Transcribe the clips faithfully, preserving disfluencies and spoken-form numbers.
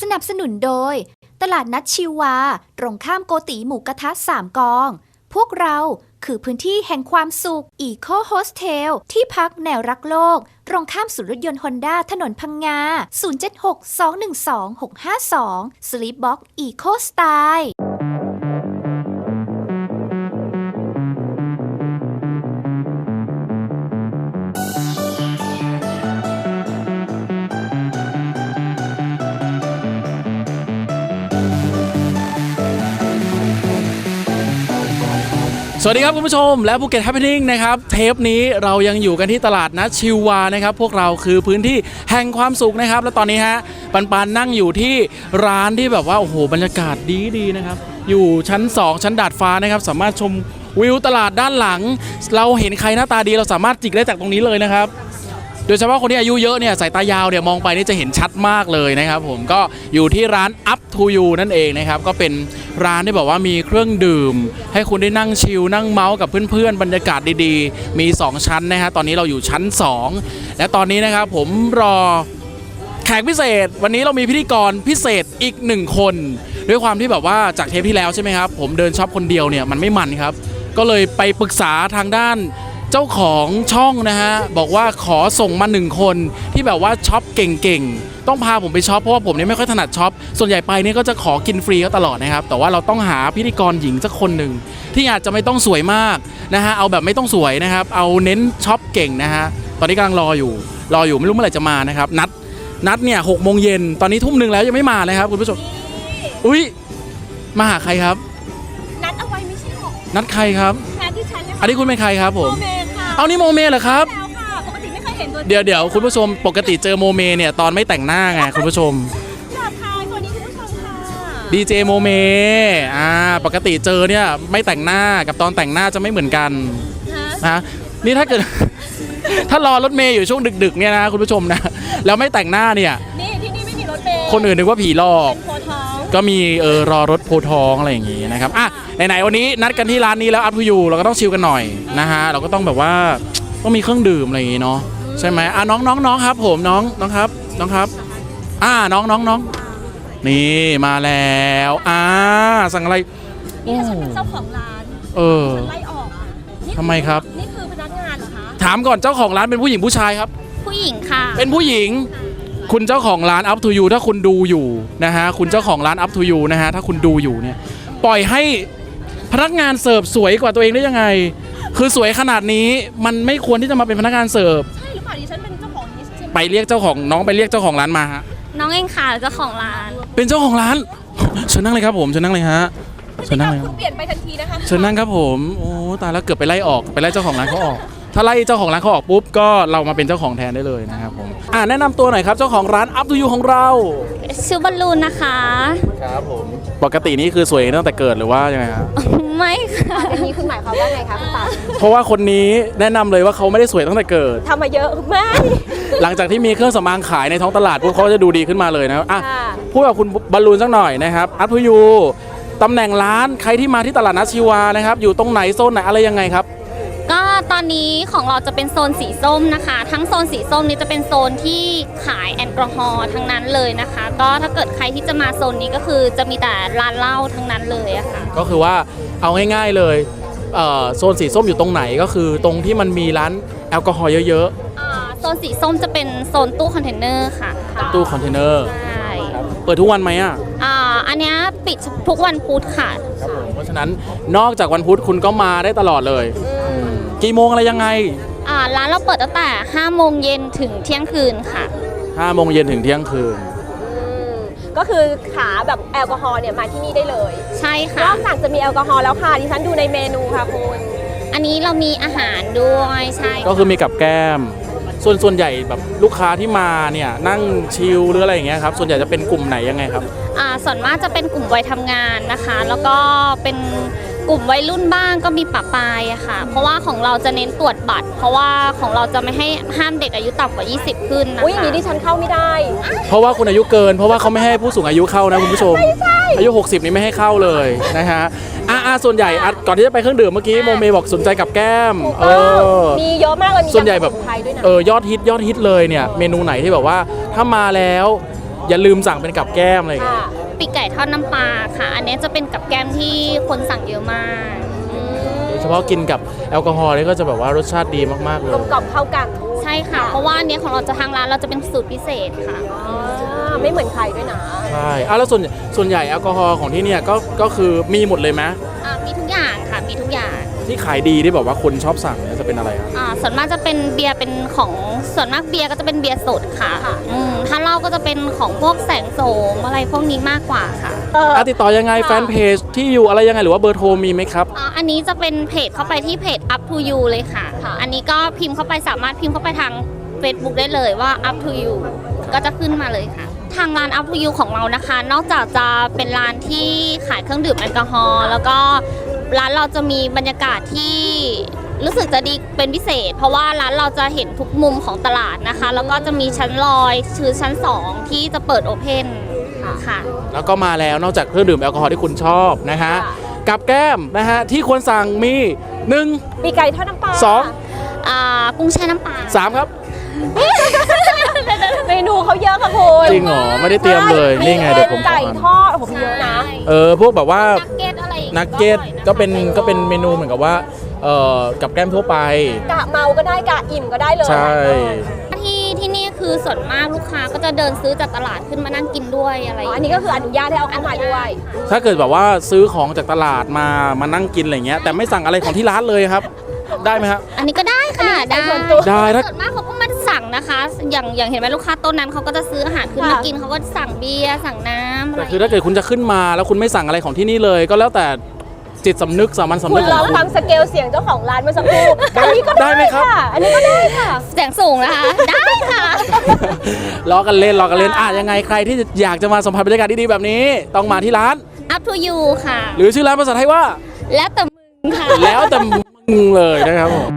นับสนุนโดยตลาดนัดชิวาตรงข้ามโกติหมูกระทะสามกองพวกเราคือพื้นที่แห่งความสุข Eco Hostel ที่พักแนวรักโลกตรงข้ามศูนย์รถยนต์ฮอนด้าถนนพังงา ศูนย์ เจ็ด หก สอง หนึ่ง สอง หก ห้า สอง Sleepbox Eco Style สวัสดีครับคุณผู้ชมและภูเก็ตแฮปปี้นิ่งนะครับเทปนี้เรายังอยู่กันที่ตลาดนัดชิวานะครับพวกเราคือพื้นที่แห่งความสุขนะครับและตอนนี้ฮะปันปันนั่งอยู่ที่ร้านที่แบบว่าโอ้โหบรรยากาศดีดีนะครับอยู่ชั้นสองชั้นดาดฟ้านะครับสามารถชมวิวตลาดด้านหลังเราเห็นใครหน้าตาดีเราสามารถจิกได้จากตรงนี้เลยนะครับโดยเฉพาะคนที่อายุเยอะเนี่ยสายตายาวเนี่ยมองไปนี่จะเห็นชัดมากเลยนะครับผมก็อยู่ที่ร้าน Up to You นั่นเองนะครับก็เป็นร้านที่บอกว่ามีเครื่องดื่มให้คุณได้นั่งชิลนั่งเมาส์กับเพื่อนๆบรรยากาศดีๆมีสองชั้นนะฮะตอนนี้เราอยู่ชั้นสองและตอนนี้นะครับผมรอแขกพิเศษวันนี้เรามีพิธีกรพิเศษอีกหนึ่งคนด้วยความที่แบบว่าจากเทปที่แล้วใช่ไหมครับผมเดินช็อปคนเดียวเนี่ยมันไม่มันครับก็เลยไปปรึกษาทางด้านเจ้าของช่องนะฮะบอกว่าขอส่งมาหนึ่งคนที่แบบว่าช็อปเก่งๆต้องพาผมไปช็อปเพราะว่าผมเนี่ยไม่ค่อยถนัดช็อปส่วนใหญ่ไปเนี่ยก็จะขอกินฟรีเขาตลอดนะครับแต่ว่าเราต้องหาพิธีกรหญิงสักคนหนึ่งที่อาจจะไม่ต้องสวยมากนะฮะเอาแบบไม่ต้องสวยนะครับเอาเน้นช็อปเก่งนะฮะตอนนี้กำลังรออยู่รออยู่ไม่รู้เมื่อไหร่จะมานะครับนัดนัดเนี่ยหกโมงเย็นตอนนี้ทุ่มหนึ่งแล้วยังไม่มาเลยครับคุณผู้ชมอุ้ยมาหาใครครับนัดเอาไว้ไม่ใช่หรอนัดใครครับนัดที่ฉันเลยอันนี้คุณเป็นใครครับผมโมเมค่ะเอานี่โมเมเหรอครับแล้วค่ะปกติไม่เคยเห็นตัวเดี๋ยวเดี๋ยวคุณผู้ชมปกติเจอโมเมเนี่ยตอนไม่แต่งหน้าไงคุณผู้ชมอยากทายคนนี้คุณผู้ชมค่ะดีเจโมเมอ่าปกติเจอเนี่ยไม่แต่งหน้ากับตอนแต่งหน้าจะไม่เหมือนกันนะนี่ถ้าเกิด ถ้ารอรถเมย์อยู่ช่วงดึกๆเนี่ยนะคุณผู้ชมนะแล้วไม่แต่งหน้าเนี่ยนี่ที่นี่ไม่มีรถเมย์คนอื่นนึกว่าผีหลอกโพท้องก็มีเออรอรถโพท้องอะไรอย่างงี้นะครับอ่ะไหนๆวันนี้นัดกันที่ร้านนี้แล้วอัพทูยูเราก็ต้องชิลกันหน่อยนะฮะเราก็ต้องแบบว่าต้องมีเครื่องดื่มอะไรอย่างงี้เนาะใช่ไหมอ่ะน้องน้องน้องครับผมน้องน้องครับน้องครับอ่าน้องน้องน้องนี่มาแล้วอ่าสั่งอะไรนี่ฉันเป็นเจ้าของร้านเออไล่ออกทำไมครับนี่คือพนักงานเหรอคะถามก่อนเจ้าของร้านเป็นผู้หญิงผู้ชายครับผู้หญิงค่ะเป็นผู้หญิงคุณเจ้าของร้าน Up to You ถ้าคุณดูอยู่นะฮะคุณเจ้าของร้าน Up to You นะฮะถ้าคุณดูอยู่เนี่ยปล่อยให้พนักงานเสิร์ฟสวยกว่าตัวเองได้ยังไงคือสวยขนาดนี้มันไม่ควรที่จะมาเป็นพนักงานเสิร์ฟใช่หรือเปล่าดิฉันเป็นเจ้าของนี้ใช่ไหมไปเรียกเจ้าของน้องไปเรียกเจ้าของร้านมาฮะน้องเองค่ะเจ้าของร้านเป็นเจ้าของร้านเชิญนั่งเลยครับผมเชิญนั่งเลยฮะเชิญนั่งเลยคุณเปลี่ยนไปทันทีนะคะเชิญนั่งครับผมโอ้ตายแล้วเกือบไปไล่ออกไปไล่เจ้าของร้านเขาออกถ้าไล่เจ้าของร้านเขาออกปุ๊บก็เรามาเป็นเจ้าของแทนได้เลยนะครับผมอ่าแนะนำตัวหน่อยครับเจ้าของร้าน Up to You ของเราชื่อบอลลูนนะคะครับผมปกตินี่คือสวยตั้งแต่เกิดหรือว่ายังไงครับไม่ค่ะอันนี้คุณหมายความว่าไงคะคุณปาเพราะว่าคนนี้แนะนำเลยว่าเขาไม่ได้สวยตั้งแต่เกิดทำมาเยอะมากหลังจากที่มีเครื่องสำอางขายในท้องตลาดพวกเขาจะดูดีขึ้นมาเลยนะอ่ะพูดกับคุณบอลลูนสักหน่อยนะครับ Up to You ตำแหน่งร้านใครที่มาที่ตลาดนัดชิวานะครับอยู่ตรงไหนโซนไหนอะไรยังไงครับก็ตอนนี้ของเราจะเป็นโซนสีส้มนะคะทั้งโซนสีส้มนี้จะเป็นโซนที่ขายแอลกอฮอล์ทั้งนั้นเลยนะคะก็ถ้าเกิดใครที่จะมาโซนนี้ก็คือจะมีแต่ร้านเหล้าทั้งนั้นเลยอะค่ะก็คือว่าเอาง่ายๆเลยโซนสีส้มอยู่ตรงไหนก็คือตรงที่มันมีร้านแอลกอฮอล์เยอะๆโซนสีส้มจะเป็นโซนตู้คอนเทนเนอร์ค่ะตู้คอนเทนเนอร์ใช่เปิดทุกวันไหมอ่ะอ่าอันนี้ปิดทุกวันพุธค่ะครับผมเพราะฉะนั้นนอกจากวันพุธคุณก็มาได้ตลอดเลยกี่โมงอะไรยังไงอ่าร้านเราเปิดตั้งแต่ห้าโมงเย็นถึงเที่ยงคืนค่ะห้าโมงเย็นถึงเที่ยงคืนก็คือขาแบบแอลกอฮอล์เนี่ยมาที่นี่ได้เลยใช่ค่ะนอกจากจะมีแอลกอฮอล์แล้วค่ะดิฉันดูในเมนูค่ะคุณอันนี้เรามีอาหารด้วยใช่ก็คือมีกับแก้มส่วนส่วนใหญ่แบบลูกค้าที่มาเนี่ยนั่งชิลหรืออะไรอย่างเงี้ยครับส่วนใหญ่จะเป็นกลุ่มไหนยังไงครับอ่าส่วนมากจะเป็นกลุ่มวัยทำงานนะคะแล้วก็เป็นกลุ่มวัยรุ่นบ้างก็มีปะปายอะค่ะเพราะว่าของเราจะเน้นตรวจบัตรเพราะว่าของเราจะไม่ให้ห้ามเด็กอายุต่ำกว่ายี่สิบขึ้นนะคะอุ้ยอย่างนี้ดิฉันเข้าไม่ได้เพราะว่าคุณอายุเกินเพราะว่าเขาไม่ให้ผู้สูงอายุเข้านะคุณผู้ชมอายุหกสิบนี่ไม่ให้เข้าเลยนะฮะอ่าส่วนใหญ่ก่อนที่จะไปเครื่องดื่มเมื่อกี้โมเมบอกสนใจกับแก้มเออมีเยอะมากเลยมีส่วนใหญ่แบบเออยอดฮิตยอดฮิตเลยเนี่ยเมนูไหนที่แบบว่าถ้ามาแล้วอย่าลืมสั่งเป็นกับแก้มอะไรอย่างเงี้ยค่ะปีกไก่ทอดน้ำปลาค่ะ อันนี้จะเป็นกับแกล้มที่คนสั่งเยอะมากโดยเฉพาะกินกับแอลกอฮอล์นี่ก็จะแบบว่ารสชาติดีมากๆเลกยลมกล่อมเข้ากันใช่ค่ะ เพราะว่าอันนี้ของเราจะทางร้านเราจะเป็นสูตรพิเศษค่ะอ่าไม่เหมือนใครด้วยนะใช่อ่ะแล้วส่วนส่วนใหญ่แอลกอฮอล์ของที่เนี่ยก็ก็คือมีหมดเลยไหมอ่ามีทุกอย่างค่ะ มีทุกอย่างที่ขายดีที่แบบว่าคนชอบสั่งเนี่ยจะเป็นอะไรครับอ่าส่วนมากจะเป็นเบียร์เป็นของส่วนมากเบียร์ก็จะเป็นเบียร์สดค่ะอืมถ้าเหล้าก็จะเป็นของพวกแสงโสมอะไรพวกนี้มากกว่าค่ะเอออ่ะติดต่อยังไงแฟนเพจที่อยู่อะไรยังไงหรือว่าเบอร์โทรมีไหมครับอ่าอันนี้จะเป็นเพจเข้าไปที่เพจ up to you เลยค่ะ อันนี้ก็พิมพ์เข้าไปสามารถพิมพ์เข้าไปทาง Facebook ได้เลยว่า up to you ก็จะขึ้นมาเลยค่ะ ทางร้าน up to you ของเรานะคะ นอกจากจะเป็นร้านที่ขายเครื่องดื่มแอลกอฮอล์แล้วก็ร้านเราจะมีบรรยากาศที่รู้สึกจะดีเป็นพิเศษ เพราะว่าร้านเราจะเห็นทุกมุมของตลาดนะคะ แล้วก็จะมีชั้นลอยคือชั้นสองที่จะเปิดโอเพนค่ะแล้วก็มาแล้วนอกจากเครื่องดื่มแอลกอฮอล์ที่คุณชอบนะฮะค่ะกับแก้มนะฮะที่ควรสั่งมีหนึ่งปีกไก่ทอดน้ำปลาสองอ่ากุ้งแช่น้ำปลาสามครับเมนูเขาเยอะค่ะคุณจริงเหรอไม่ได้เตรียมเลยใช่นี่ไงเดี๋ยวผมไก่ขอทอดผมเยอะนะเออพวกแบบว่านักเก็ตอะไรอย่างงี้นักเก็ตอร่อยะคะก็เป็นก็เป็นเมนูเหมือนกับว่าเอ่อกับแก้มทั่วไปกะเมาก็ได้กะอิ่มก็ได้เลยใช่ที่ที่นี่คือส่วนมากลูกค้าก็จะเดินซื้อจากตลาดขึ้นมานั่งกินด้วยอะไรอ๋ออันนี้ก็คืออนุญาตให้เอาเข้ามาด้วยถ้าเกิดแบบว่าซื้อของจากตลาดมามานั่งกินอะไรเงี้ยแต่ไม่สั่งอะไรของที่ร้านเลยครับ ได้ไหมครับอันนี้ก็ได้ค่ะอันนี้ได้ใส่ส่วนตัวได้ถ้าส่วนมากเขาก็ไมาสั่งนะคะ อย่างอย่างเห็นไหมลูกค้าโต้นนั้นเขาก็จะซื้ออาหารขึ้นมาค่ะกินเขาก็สั่งเบียร์สั่งน้ำอะไรแต่คือถ้าเกิดคุณจะขึ้นมาแล้วคุณไม่สั่งอะไรของที่นี่เลย ก็แล้วแต่จิตสำนึกสามัญสำคุนึณกขลอองงคุณฟังสเกลเสียงเจ้าของร้านเมื่อสักครู่ได้อันนี้ก็ได้ไหมครับค่ะ อันนี้ก็ได้ค่ะเสียงสูงนะคะ ได้ค่ะล้อกันเล่นล้อกันเล่นอ่ะยังไงใครที่อยากจะมาสัมผัสบรรยากาศดีๆแบบนี้ ต้องมาที่ร้าน up to you ค่ะหรือชื่อร้านภาษาไทยว่าแล้วแต่มึงค่ะแล้วแต่มึงเลยนะครับผม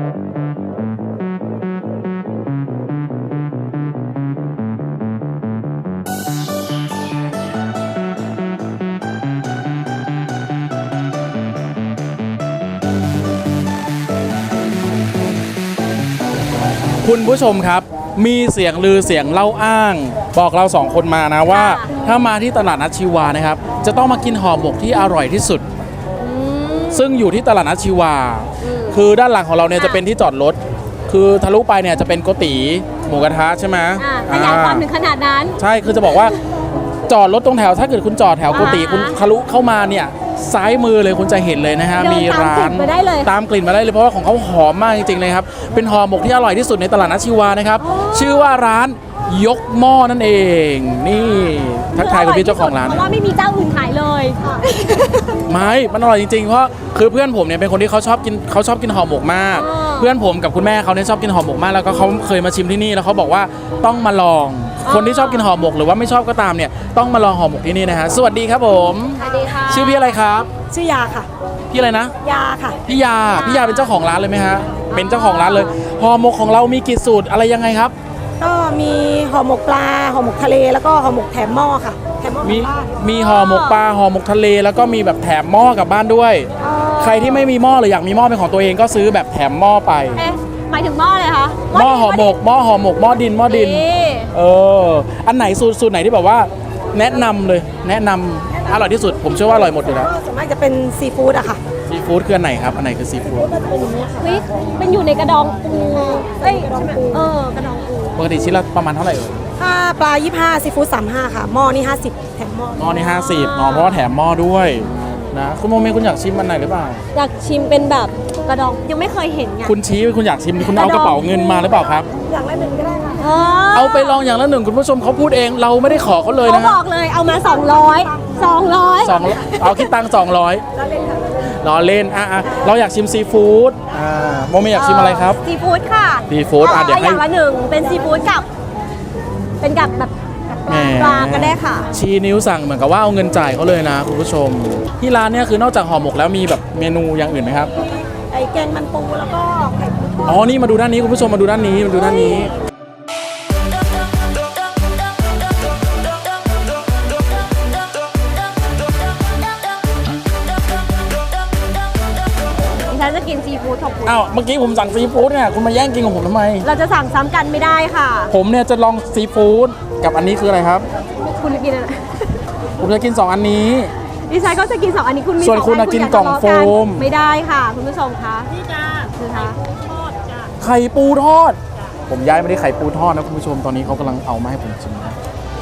คุณผู้ชมครับ มีเสียงลือเสียงเล่าอ้าง บอกเราสองคนมานะว่า ถ้ามาที่ตลาดนัดชีวานะครับ จะต้องมากินห่อหมกที่อร่อยที่สุด ซึ่งอยู่ที่ตลาดนัดชีวา คือด้านหลังของเราเนี่ยจะเป็นที่จอดรถ คือทะลุไปเนี่ยจะเป็นโกติหมูกระทะใช่ไหมอ่าขยายความถึงขนาดนั้นใช่ คือจะบอกว่าจอดรถตรงแถว ถ้าเกิดคุณจอดแถวโกติอ่าคุณทะลุเข้ามาเนี่ยซ้ายมือเลยคุณจะเห็นเลยนะฮะเดินมีร้านตามกลิ่นมาได้เลยตามกลิ่นมาได้เลยเพราะว่าของเขาหอมมากจริงๆเลยครับ เป็นห่อหมกที่อร่อยที่สุดในตลาดนัดชีวานะครับ ชื่อว่าร้านยกหม้อนั่นเอง นี่ทักทายคุณพี่เจ้าของร้านเพราะว่าไม่มีเจ้าอื่นขายเลยไม่ มันอร่อยจริงๆ เพราะคือเพื่อนผมเนี่ยเป็นคนที่เขาชอบกินเขาชอบกินห่อหมกมากอ๋อเพื่อนผมกับคุณแม่เขาเนี่ยชอบกินห่อหมกมาก แล้วก็เขาเคยมาชิมที่นี่แล้วเขาบอกว่าต้องมาลอง คนที่ชอบกินห่อหมกหรือว่าไม่ชอบก็ตามเนี่ยต้องมาลองห่อหมกที่นี่นะฮะ สวัสดีครับผมสวัสดีค่ะชื่อพี่อะไรครับชื่อยาค่ะพี่อะไรนะยาค่ะพี่ยา พี่ยาเป็นเจ้าของร้านเลยไหมฮะ เป็นเจ้าของร้านเลย ห่อหมกของเรามีกี่สูตรอะไรยังไงครับก็มีห่อหมกปลาห่อหมกทะเลแล้วก็ห่อหมกแถมหม้อค่ะแถมหม้อมีกลับบ้านมีห่อหมกปลาห่อหมกทะเล แล้วก็มีแบบแถมหม้อกลับบ้านด้วย ใครที่ไม่มีหม้อหรืออยากมีหม้อเป็นของตัวเองก็ซื้อแบบแถมหม้อไปเอ๊ะหมายถึงหม้อเลยคะหม้อห่อหมกหม้อห่อหมกหม้อดินหม้อดินนี่เออ อันไหนสูตรสูตรไหนที่แบบว่า แนะนำเลย แนะนำอร่อยที่สุด ผมเชื่อว่าอร่อยหมดอยู่แล้วก็ส่วนมากจะเป็นซีฟู้ดอะค่ะซีฟู้ดคืออันไหนครับ อันไหนคือซีฟู้ดก็จะเป็นอย่างนี้ค่ะเฮ้ยเป็นอยู่ในกระดองปูเอ้ยกระดองปูเออกระดองปูปกติชิ้นละประมาณเท่าไหร่เอ่ยถ้าปลายี่สิบห้าซีฟู้ดสามสิบห้าค่ะหม้อนี่ห้าสิบแถมหม้อหม้อนี่ห้าสิบเนาะเพราะว่าแถมหม้อด้วยนะคุณโมเมคุณอยากชิมอันไหนหรือเปล่าอยากชิมเป็นแบบกระดองยังไม่เคยเห็นไงคุณชี้คุณอยากชิมคุณเอากระเป๋าเงินมาหรือเปล่าครับอย่างละหนึ่งก็ได้ค่ะเอเอาไปลองอย่างละหนึ่งคุณผู้ชมเขาพูดเองเราไม่ได้ขอเขาเลยเขานะบอกเลยเอามาสองร้อย สองร้อยสองเอาคิดตังค์สองร้อยรอเล่นอ่ะอ่ะเราอยากชิมซีฟู้ดอ่าโมเมอยากชิมอะไรครับซีฟู้ดค่ะซีฟู้ดอ่ะเดี๋ยวให้อย่างละหนึ่งเป็นซีฟู้ดกับ เป็นกับแบบแหมปลาก็ได้ค่ะชี้นิ้วสั่งเหมือนกับว่าเอาเงินจ่ายเขาเลยนะคุณผู้ชม ที่ร้านเนี่ยคือนอกจากห่อหมกแล้วมีแบบเมนูอย่างอื่นไหมครับไอ้แกงมันปูแล้วก็ไข่ปูทอดอ๋อนี่มาดูด้านนี้คุณผู้ชมมาดูด้านนี้มาดูด้านนี้ดิฉันจะกินซีฟู้ดของคุณอ้าวเมื่อกี้ผมสั่งซีฟู้ดเนี่ยคุณมาแย่งกินของผมทำไมเราจะสั่งซ้ำกันไม่ได้ค่ะผมเนี่ยจะลองซีฟู้ดกับอันนี้คืออะไรครับกินอะไรผมจะกินสองอันนี้ดิฉันก็จะกินสองอันนี้คุณมีส่วนสองคุณอัน่ะกินกล่องโฟมไม่ได้ค่ะ คุณผู้ชมคะนี่จ้าคือคะไข่ปูทอด ผมย้ายไม่ได้ไข่ปูทอดนะคุณผู้ชม ตอนนี้เขากำลังเอามาให้ผมชิมนะ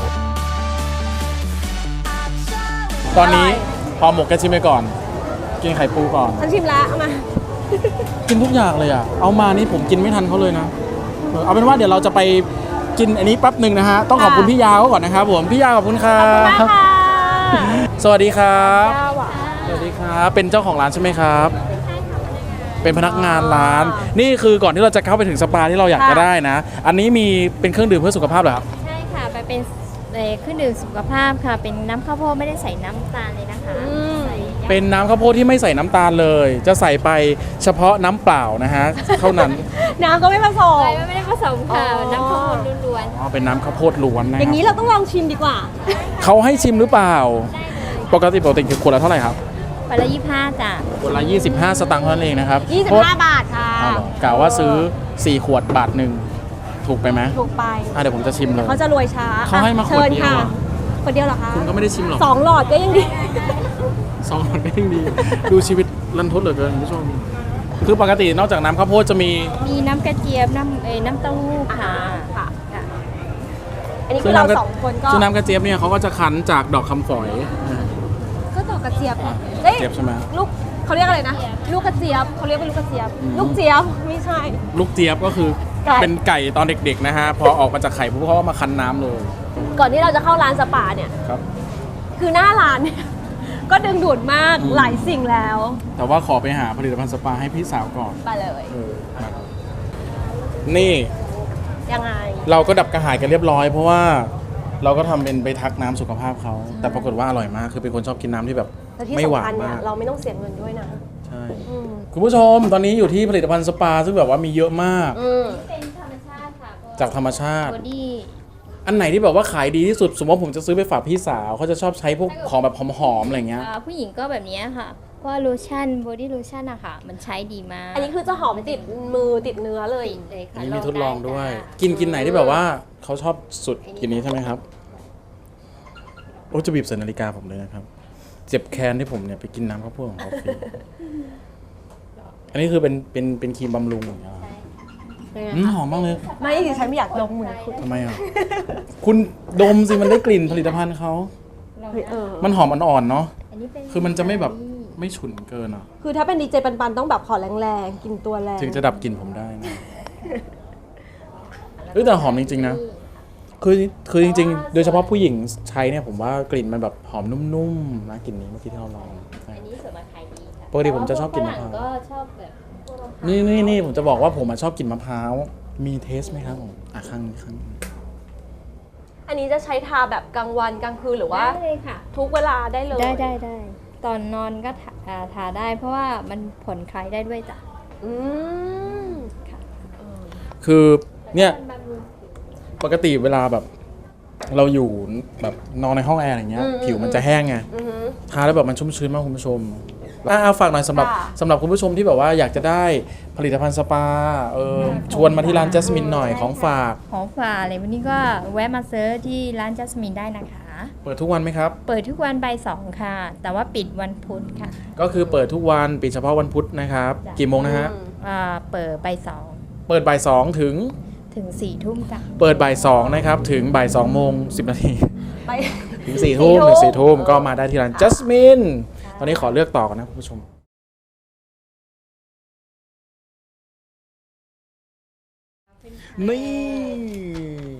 ตอนนี้พอหมกแกชิมไปก่อน กินไข่ปูก่อนฉันชิมแล้วเอามากินทุกอย่างเลยอ่ะ เอามานี่ผมกินไม่ทันเขาเลยนะเออเอาเป็นว่าเดี๋ยวเราจะไปกินอันนี้แป๊บหนึ่งนะฮะ ต้องขอบคุณพี่ยาวก่อนนะครับผม พี่ยาวขอบคุณครับมาค่ะสวัสดีครับยาวอ่ะสวัสดีครับ เป็นเจ้าของร้านใช่ไหมครับ เป็นพนักงานร้าน นี่คือก่อนที่เราจะเข้าไปถึงสปาที่เราอยากจะได้นะ อันนี้มีเป็นเครื่องดื่มเพื่อสุขภาพเหรอครับใช่ค่ะไปเป็นเอ่อเครื่องดื่มสุขภาพค่ะ เป็นน้ำข้าวโพดไม่ได้ใส่น้ำตาลเลยนะคะใส่ยาเป็นน้ำข้าวโพดที่ไม่ใส่น้ำตาลเลย จะใส่ไปเฉพาะน้ำเปล่านะฮะ เท่านั้นน้ำก็ไม่ผสมใส่ไม่ได้ผสมค่ะอ๋อน้ำข้าวโพดล้วนอ๋อ เป็นน้ำข้าวโพดล้วนนะอย่างคนี้รับเราต้องลองชิมดีกว่าเขาให้ชิมหรือเปล่า ปกติปกติคือขวดละเท่าไหร่ครับๆไปละยี่ห้าจ้ะขวดละยี่สิบห้าสตางค์เท่านั้นเองนะครับยี่สิบเพระห้าบาทค่ะอ้าวเหรอกล่าวว่าซื้อสี่ขวดบาทหนึ่งถูกไปไหมถูกไปอ่ะเดี๋ยวผมจะชิมเลยเขาจะรวยช้าเขาให้มาขวดเชิญเดียวค่ะอะขวดเดียวเหรอคะคุณก็ไม่ได้ชิมหรอกสองหลอดก็ยังดีสองหลอดก็ยังดี ดูชีวิตรันทดเหลือเกินคุณผู้ชม คือปกตินอกจากน้ำข้าวโพดจะมีมีน้ำกระเจี๊ยบน้ำเอ่อน้ำเต้าหู้ค่ะค่ะค่ะอันนี้คือเราสองคนก็ซึ่งน้ำกระเจี๊ยบเนี่ยเขาก็จะคั้นจากดอกคำฝอยก็ดอกกระเจี๊ยบอ่ะเอ้ยเจี๊ยบใช่ไหมลูกเขาเรียกอะไรนะ ลูกกระเจี๊ยบเขาเรียกว่าลูกกระเจี๊ยบอืมลูกเจี๊ยบไม่ใช่ลูกเจี๊ยบก็คือไก่เป็นไก่ตอนเด็กๆนะฮะ พอออกมาจากไข่ปุ๊บเขาก็มาคั้นน้ำเลยก่อนที่เราจะเข้าร้านสปาเนี่ยครับคือหน้าร้านเนี่ย ก็ดึงดูดมากอืมหลายสิ่งแล้วแต่ว่าขอไปหาผลิตภัณฑ์สปาให้พี่สาวก่อนไปเลยเออมานี่ยังไงเราก็ดับกระหายกันเรียบร้อย เพราะว่าเราก็ทำเป็นไปทักน้ำสุขภาพเขา แต่ปรากฏว่าอร่อยมาก คือเป็นคนชอบกินน้ำที่แบบแต่ที่ไม่หวาสำคัญนเนี่มาย กเราไม่ต้องเสียเงินด้วยนะใช่อืมคุณผู้ชมตอนนี้อยู่ที่ผลิตภัณฑ์สปา ซึ่งแบบว่ามีเยอะมากอืมเป็นธรรมชาติค่ะจากธรรมชาติบอดี้อันไหนที่แบบว่าขายดีที่สุด สมมติว่าผมจะซื้อไปฝากพี่สาวเขาจะชอบใช้พวกของแบบหอมๆอะไรเงี้ยผู้หญิงก็แบบนี้ค่ะเพราะว่าโลชั่นบอดี้โลชั่นอะค่ะ มันใช้ดีมากอันนี้คือจะหอมติดมือติดเนื้อเลยติดเลยค่ะอันนี้มีทดลองด้วยไจ้ะกินกินไหนที่แบบว่าเขาชอบสุดกินนี้ใช่ไหมครับโอ้จะบีบใส่นาฬิกาผมเลยนะครับ เจ็บแค้นที่ผมเนี่ยไปกินน้ำข้าวโพดของเขาฟรีอันนี้คือเป็นเป็นเป็นครีมบำรุงอย่างเงี้ยเหรออืมหอมมากเลยไม่ดิฉันไม่อยากดมเหมือนคุณทำไมอ่ะ คุณดมสิมันได้กลิ่นผลิตภัณฑ์เขาเฮ้ยเออมันหอมอ่อนๆเนาะอันนี้เป็นคือมันจะไม่แบบไม่ฉุนเกินอ่ะคือถ้าเป็นดีเจปันๆต้องแบบขอแรงๆ กินตัวแรงถึงจะดับกลิ่นผมได้นะเฮ้ยแต่หอมจริงๆนะ คือคือจริงๆ โดยเฉพาะผู้หญิงใช้เนี่ยผมว่ากลิ่นมันแบบหอมนุ่มๆนะกลิ่นนี้เมื่อกี้ที่เราลองใช่อันนี้ส่วนมาขายดีค่ะปกติผมจะชอบกินมะพร้าวฝงก็ชอบแบบนี่นี่นี่ผมจะบอกว่าผมอะชอบกินมะพร้าว มีเทสไหมครับผมอ่ะข้างนี้ข้างนี้อันนี้จะใช้ทาแบบกลางวันกลางคืนหรือว่าได้เลยค่ะทุกเวลาได้เลยได้ได้ได้ตอนนอนก็ทาอ่าทาได้ เพราะว่ามันผ่อนคลายได้ด้วยจ้ะอืมค่ะคือเนี่ยมันบำรุงปกติเวลาแบบ เราอยู่แบบนอนในห้องแอร์อย่างเงี้ย ผิวมันจะแห้งไงอือหือทาแล้วแบบมันชุ่มชื้นมากคุณผู้ชมอ่ะเอาฝากหน่อยสำหรับค่ะสำหรับคุณผู้ชมที่แบบว่าอยากจะได้ผลิตภัณฑ์สปาเออชวนมาที่ร้านจัสมินหน่อยของฝากของฝากอะไรวันนี้ก็แวะมาเซิร์ชที่ร้านจัสมินได้นะคะเปิดทุกวันไหมครับเปิดทุกวันบ่ายสองค่ะ แต่ว่าปิดวันพุธค่ะก็คือเปิดทุกวันปิดเฉพาะวันพุธนะครับจ้ะกี่โมงนะฮะอืมอ่าเปิดบ่ายสองเปิดบ่ายสองถึงถึงสี่ทุ่มจ้ะเปิดบ่ายสองนะครับถึงบ่ายสองโมงสิบนาทีไปถึงสี่ทุ่มสี่ทุ่มถึงสี่ทุ่มก็มาได้ที่ร้านจัสมินตอนนี้ขอเลือกต่อกันนะคุณผู้ชมนี่